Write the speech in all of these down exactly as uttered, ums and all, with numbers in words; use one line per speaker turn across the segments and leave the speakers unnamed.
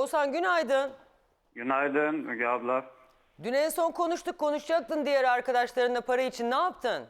Oğuzhan günaydın.
Günaydın Müge abla.
Dün en son konuştuk, konuşacaktın diğer arkadaşlarınla para için. Ne yaptın?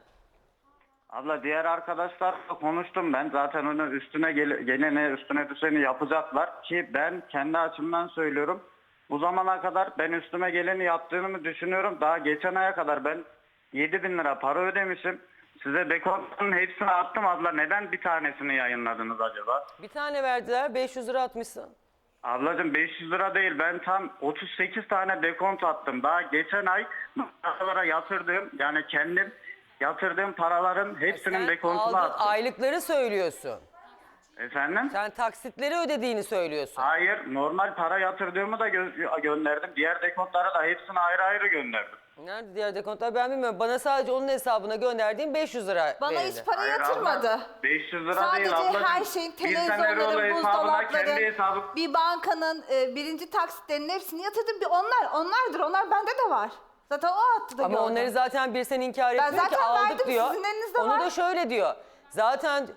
Abla diğer arkadaşlarla konuştum ben. Zaten onu üstüne gel gelene üstüne düşeni yapacaklar ki ben kendi açımdan söylüyorum. Bu zamana kadar ben üstüme geleni yaptığımı düşünüyorum. Daha geçen aya kadar ben yedi bin lira para ödemişim. Size dekontların hepsini attım abla. Neden bir tanesini yayınladınız acaba?
Bir tane verdiler, beş yüz lira atmışsın.
Ablacığım beş yüz lira değil. Ben tam otuz sekiz tane dekont attım. Daha geçen ay paralara yatırdığım, yani kendim yatırdığım paraların hepsinin
Sen
dekontunu
aldığın
attım.
aylıkları söylüyorsun.
Efendim?
Sen taksitleri ödediğini söylüyorsun.
Hayır, normal para yatırdığımı da gö gönderdim. Diğer dekontlara da hepsini ayrı ayrı gönderdim.
Nerede diğer dekontlar ben bilmiyorum. Bana sadece onun hesabına gönderdiğim beş yüz lira
Bana
verildi.
hiç para
Hayır
yatırmadı.
abla, beş yüz lira
Sadece
değil ablacığım.
her şeyin,
Bir tane rolo
televizyonların,
hesabına kendi
buzdolapların,
hesabı...
bir bankanın e, birinci taksitlerinin hepsini yatırdım. Bir onlar, onlardır. Onlar bende de var. Zaten o attı da
Ama
gördüm.
onları zaten bir sen inkar
Ben
etmiyor ki
zaten
aldık
verdim,
diyor.
sizin elinizde
Onu
var.
da şöyle diyor. Zaten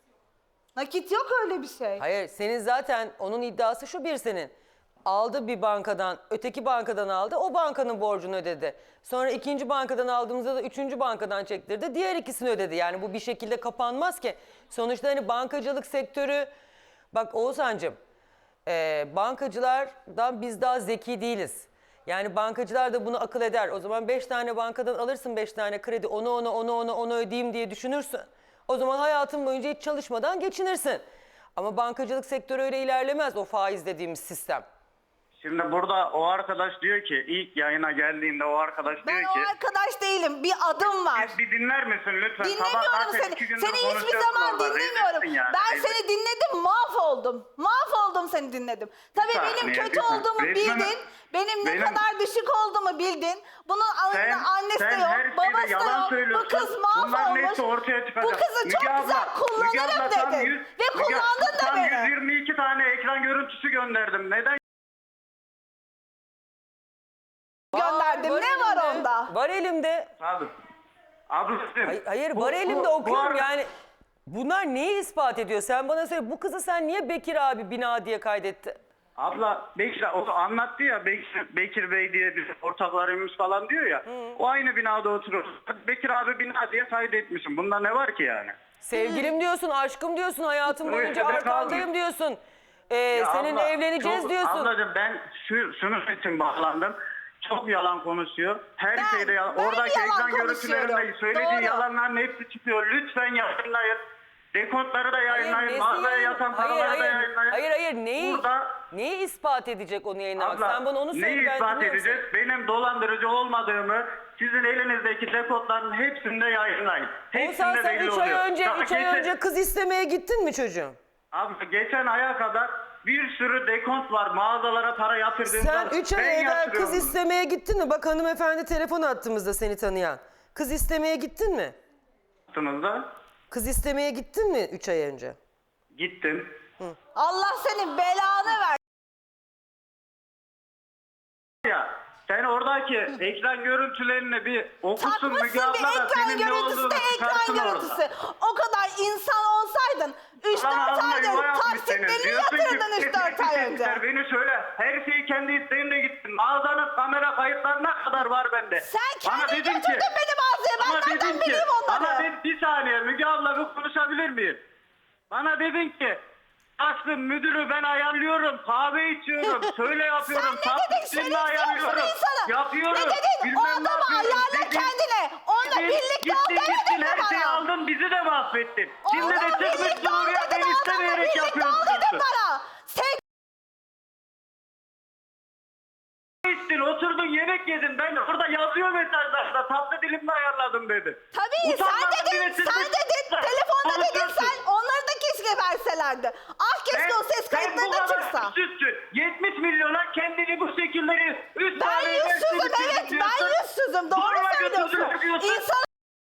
Nakit yok öyle bir şey.
hayır senin zaten onun iddiası şu bir senin. Aldı bir bankadan, öteki bankadan aldı, o bankanın borcunu ödedi. Sonra ikinci bankadan aldığımızda da üçüncü bankadan çektirdi, diğer ikisini ödedi. Yani bu bir şekilde kapanmaz ki. Sonuçta hani bankacılık sektörü, bak Oğuzhan'cığım, e, bankacılardan biz daha zeki değiliz. Yani bankacılar da bunu akıl eder. O zaman beş tane bankadan alırsın beş tane kredi, onu onu onu onu onu ödeyeyim diye düşünürsün. O zaman hayatın boyunca hiç çalışmadan geçinirsin. Ama bankacılık sektörü öyle ilerlemez, o faiz dediğimiz sistem.
Şimdi burada o arkadaş diyor ki, ilk yayına geldiğinde o arkadaş
Ben
diyor
o
ki...
arkadaş değilim. Bir adım var.
Bir, bir dinler misin lütfen?
Dinlemiyorum
Sabah zaten
seni.
iki gündür
Seni hiçbir
konuşuyorsun
zaman
orada.
dinlemiyorum.
Rezilsin yani,
Ben
rezil.
seni dinledim, mahvoldum. Mahvoldum seni dinledim. Tabii
Bir
benim
saniye,
kötü
bir saniye.
olduğumu
Resmen-
bildin. Benim ne
Benim-
kadar düşük olduğumu bildin. Bunun
Sen,
anne, annesi
sen
de
her
yok, babası
şeyde
da
yalan
yok. Bu
söylüyorsun.
kız
Bunların
mahvolmuş.
hepsi ortaya çıkacak.
Bu kızı
Müge
çok
abla,
güzel
Müge abla
kullanırım
tam
dedin.
yüz-
Ve
Müge-
kullandın da
tam
beni.
yüz yirmi iki tane ekran görüntüsü gönderdim. Neden?
Gönderdim.
Var
Ne var
elimde.
onda?
Var elimde.
Abi. Ablacığım.
Hayır, hayır
bu-
var
bu-
elimde
bu
okuyorum
ar-
yani. Bunlar neyi ispat ediyor? Sen bana söyle, bu kızı sen niye Bekir abi bina diye kaydettin?
Abla Bekir o anlattı ya, Bekir, Bekir Bey diye bir ortaklarımız falan diyor ya. O aynı binada oturuyor. Bekir abi bina diye kaydetmişim. Bunda ne var ki yani?
Sevgilim diyorsun, aşkım diyorsun, hayatım
Öyle
boyunca
de
arkandayım
kalmış.
diyorsun. Ee,
Ya
seninle
abla,
evleneceğiz
çok-
diyorsun.
Ablacığım ben şu, şunun için bağlandım. Çok yalan konuşuyor. Her
Ben-
şeyde yalan.
ben
Oradaki
yalan
ekran görüntülerinde
konuşuyorum.
söylediği
Doğru.
yalanların hepsi çıkıyor. Lütfen yayınlayın. Dekontları da yayınlayın.
nesi
Mağazaya
yayın-
yatan
hayır,
paraları da
hayır,
yayınlayın.
hayır, hayır, neyi,
Burada
neyi ispat edecek onu yayınlamak?
abla
Sen bana onu söyle,
neyi
ben
ispat
dinliyorum
edeceğiz? Benim dolandırıcı olmadığımı sizin elinizdeki dekontların hepsinde yayınlayın.
seni. Oğuzhan
Hepsinde
sen
belli
üç ay
oluyor.
önce,
Daha
üç ay
geçen-
önce kız istemeye gittin mi çocuğum?
Abi geçen aya kadar bir sürü dekont var. Mağazalara para yatırdığımda.
Sen üç ay
ben
evvel
yatırıyorum
kız
bunu.
istemeye gittin mi? Bak hanımefendi telefon attığımızda seni tanıyan. Kız istemeye gittin mi?
Yaptığınızda
Kız istemeye gittin mi üç ay önce?
gittim.
Allah senin belanı ver.
Ya sen oradaki ekran görüntülerini bir okusun Müge
Takmışsın
abla
bir
da
ekran
senin ne
görüntüsü
olduğunu
de ekran
çıkarsın
görüntüsü.
orada.
O kadar insan olsaydın üç
Lan
dört
ağzına
aydır
yuva yapmış senin.
taksitlerini
Diyorsun ki,
yatırdın üç dört ay önce.
"Teşekkürler, beni söyle. Her şeyi kendi isteğimle gittim. Mağazanın kamera kayıtlarına kadar var bende.
Sen
Bana
kendin
dedin
götürdün
ki-
beni mağazaya. Ben
Bana
nereden
dedin ki,
bileyim onları?
bana dedin, bir saniye Müge abla bir konuşabilir miyim? Bana dedin ki Aslım müdürü ben ayarlıyorum, kahve içiyorum, şöyle yapıyorum,
Sen ne dedin?
tatlısını
Şerefsiz
ayarlıyorum,
insanı.
yapıyorum.
Ne dedin? O
bilmem ne
adamı
yapıyorum
ayarla
dedin.
kendine. Onunla
Dedin,
birlikte ol
gittin,
demedin
gittin,
mi
her şeyi
bana?
aldın, bizi de mahvettin. Şimdi de
Onunla
çıkmışsın
birlikte ol
oraya,
dedin,
ben
adamla
istemeyerek
birlikte ol
yapıyorsun.
dedin bana. Sen
İçtin, oturdun yemek yedin, ben orada yazıyor mesajlarda, tatlı dilimle ayarladım dedi.
tabii sen
Utanmadın
dedin,
bile, siz
sen
bir-
dedin, telefonda dedin
konuşuyorsun.
sen. Onları da keşke verselerdi. Ah keşke o ses kayıtları da çıksa.
Sütsün. yetmiş milyona kendini bu şekilleri üst
Ben
tane
yüzsüzüm
üniversitesi
evet ben
diyorsun.
yüzsüzüm doğru
Zorla
söylüyorsun.
götürdüler diyorsun.
İnsan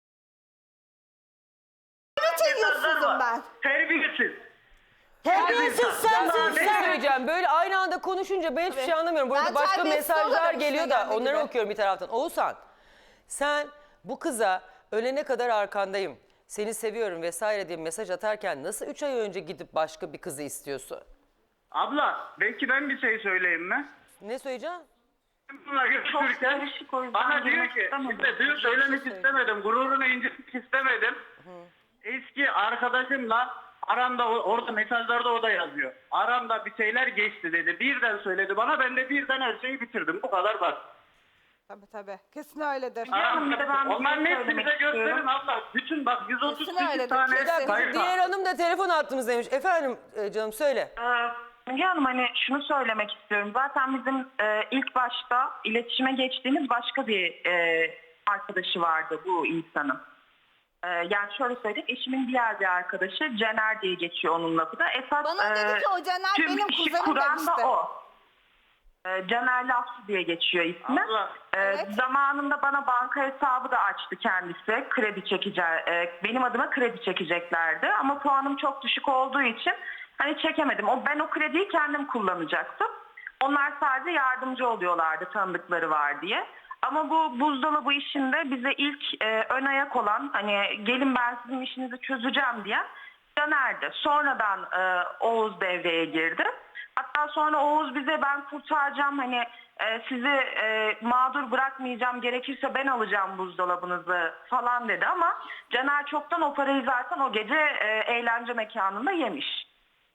için
Mesajlar
yüzsüzüm
var.
ben.
Terbiyesiz.
Terbiyesiz
Ben
sensin
bir şey
sen.
söyleyeceğim. Böyle aynı anda konuşunca ben hiçbir şey anlamıyorum. Burada
Ben
başka
terbiyesiz
mesajlar
olurum
geliyor
işte
da
geldiği
onları
gibi.
okuyorum bir taraftan. Oğuzhan, sen bu kıza ölene kadar arkandayım, seni seviyorum vesaire diye mesaj atarken nasıl üç ay önce gidip başka bir kızı istiyorsun?
Abla belki ben bir şey söyleyeyim mi?
Ne söyleyeceğim?
Bununla görüşürken
karışık, o yüzden
bana diyor
girmek
ki,
istemedim.
şimdi dün söylemek istemedim, gururunu incitmek istemedim. Eski arkadaşımla aramda, orada mesajlarda o da yazıyor. Aramda bir şeyler geçti dedi. Birden söyledi bana, ben de birden her şeyi bitirdim. Bu kadar basit.
Tabii tabii. Kesin öyledir.
Hanım, bir de ben bir
Onların
şey
hepsini bize
söylemek
gösterin
istiyorum.
abla. Bütün bak yüz otuz
Kesin
sekiz
öyledir,
tane
kesin.
Bir dakika,
sayfa.
diğer hanım da telefon attığımızdaymış. Efendim e, canım söyle.
Ee, Müge Hanım, hani şunu söylemek istiyorum. Zaten bizim e, ilk başta iletişime geçtiğimiz başka bir e, arkadaşı vardı bu insanın. E, yani şöyle söyleyeyim, eşimin diğer bir arkadaşı Caner diye geçiyor onun lafı da. Esas,
Bana dedi
e,
ki o Caner
tüm
benim
işi
kuzenim
kuran da
demişti.
o. E, Caner Lafçı diye geçiyor ismi.
Allah.
E,
Evet.
Zamanında bana banka hesabı da açtı kendisi. Kredi çekeceği, e, benim adıma kredi çekeceklerdi. Ama puanım çok düşük olduğu için hani çekemedim. O, ben o krediyi kendim kullanacaktım. Onlar sadece yardımcı oluyorlardı, tanıdıkları var diye. Ama bu buzdolabı işinde bize ilk e, ön ayak olan, hani gelin ben sizin işinizi çözeceğim diyen Caner'di. Sonradan e, Oğuz devreye girdi. Hatta sonra Oğuz bize ben kurtaracağım, hani e, sizi e, mağdur bırakmayacağım, gerekirse ben alacağım buzdolabınızı falan dedi. Ama Caner çoktan o parayı zaten o gece e, eğlence mekanında yemiş.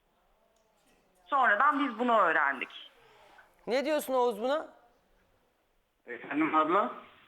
Sonradan biz bunu öğrendik.
Ne diyorsun Oğuz buna?
Efendim abla?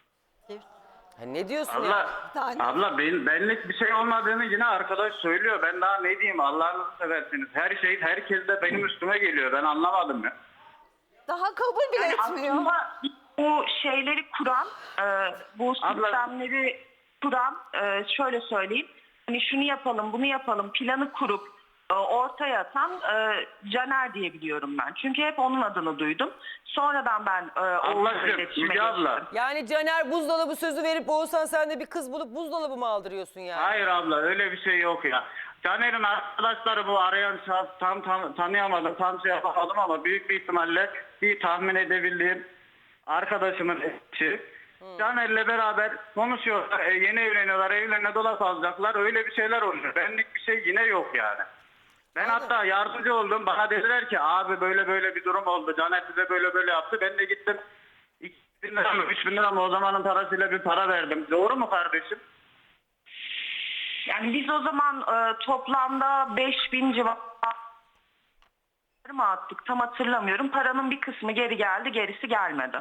Ha, ne diyorsun ya?
Abla,
tane.
abla ben, benlik bir şey olmadığını yine arkadaş söylüyor. Ben daha ne diyeyim, Allah'ınızı seversiniz. Her şey herkes de benim üstüme geliyor. Ben anlamadım ya.
Daha kabul bile
Yani
etmiyor.
aslında bu şeyleri kuran, e, bu
Abla-
sistemleri kuran, e, şöyle söyleyeyim. Hani şunu yapalım, bunu yapalım, planı kurup e, ortaya atan e, Caner diye biliyorum ben. Çünkü hep onun adını duydum. Sonradan ben e, Oğuz'la
Ablacığım,
iletişime
Müge abla.
geçtim.
Yani Caner buzdolabı sözü verip Oğuzhan sen de bir kız bulup buzdolabı mı aldırıyorsun yani?
Hayır abla, öyle bir şey yok ya. Caner'in arkadaşları bu arayan şahıs tam, tam tanıyamadım, tam şey yapamadım ama büyük bir ihtimalle bir tahmin edebildiğim arkadaşımın eşi. Caner'le beraber konuşuyorlar, e, yeni evleniyorlar, evlerine dolap alacaklar, öyle bir şeyler oluyor. Benlik bir şey yine yok yani. Ben hatta yardımcı oldum, bana dediler ki abi böyle böyle bir durum oldu, Caner size böyle böyle yaptı. Ben de gittim iki bin lira mı üç bin lira mı o zamanın parasıyla bir para verdim. Doğru mu kardeşim?
Yani biz o zaman e, toplamda beş bin civarı mı attık tam hatırlamıyorum. Paranın bir kısmı geri geldi, gerisi gelmedi.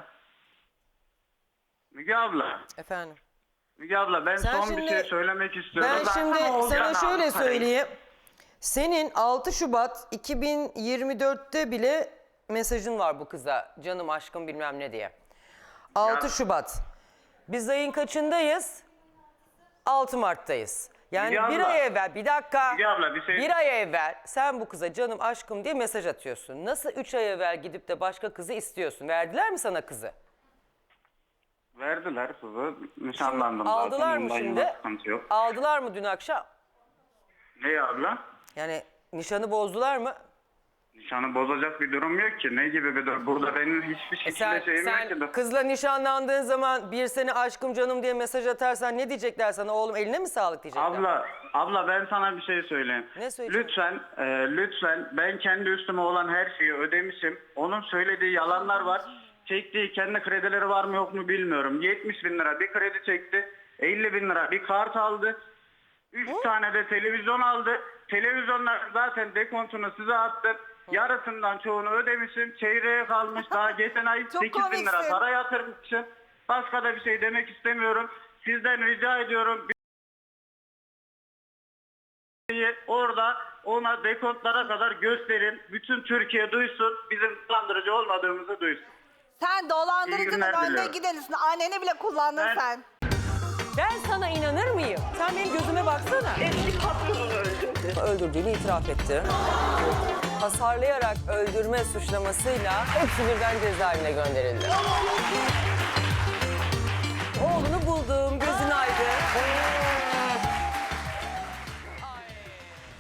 Müge abla,
Efendim.
Müge abla ben
Sen
son
şimdi-
bir şey söylemek istiyorum.
Ben
zaten
şimdi
Oğuzhan
sana şöyle
aldı parayı.
söyleyeyim. Senin altı Şubat iki bin yirmi dörtte bile mesajın var bu kıza. Canım aşkım bilmem ne diye. altı
Ya.
Şubat. Biz ayın kaçındayız? altı Mart'tayız. Yani
Müge
bir
abla.
ay evvel, bir dakika.
Müge abla, bir şey-
Bir ay evvel sen bu kıza canım aşkım diye mesaj atıyorsun. Nasıl üç ay evvel gidip de başka kızı istiyorsun? Verdiler mi sana kızı?
Verdiler kızı. Nişanlandım zaten.
Aldılar mı
Ondan
şimdi?
yana sıkıntı yok.
Aldılar mı dün akşam?
Ne abla?
Yani nişanı bozdular mı?
Nişanı bozacak bir durum yok ki. Ne gibi bir durum? Burada benim hiçbir
E
şekilde
sen,
şeyim yok
sen
ki.
kızla nişanlandığın zaman bir sene aşkım canım diye mesaj atarsan ne diyecekler sana? Oğlum eline mi sağlık diyecekler?
Abla, abla ben sana bir şey söyleyeyim.
Ne söyleyeceksin?
Lütfen, e, lütfen ben kendi üstüme olan her şeyi ödemişim. Onun söylediği yalanlar var. Çektiği kendi kredileri var mı yok mu bilmiyorum. yetmiş bin lira bir kredi çekti. elli bin lira bir kart aldı. üç tane de televizyon aldı. Televizyonlar zaten dekontunu size attım. Yarısından çoğunu ödemişim. Çeyreğe kalmış. Daha geçen ay
Çok
sekiz bin lira
komiksin.
para yatırmışım. Başka da bir şey demek istemiyorum. Sizden rica ediyorum. Orada ona dekontlara kadar gösterin. Bütün Türkiye duysun. Bizim dolandırıcı olmadığımızı duysun.
Sen
İyi
dolandırıcının
günler
önde
diliyorum.
gidenisin. Anneni bile kullandın
Ben-
sen.
Ben sana inanır mıyım? Sen benim gözüme baksana.
Eski patronunu öldürdü.
Öldürdüğünü itiraf etti. Hasarlayarak öldürme suçlamasıyla hepsi birden cezaevine gönderildi. Oğlunu buldum, gözün aydın.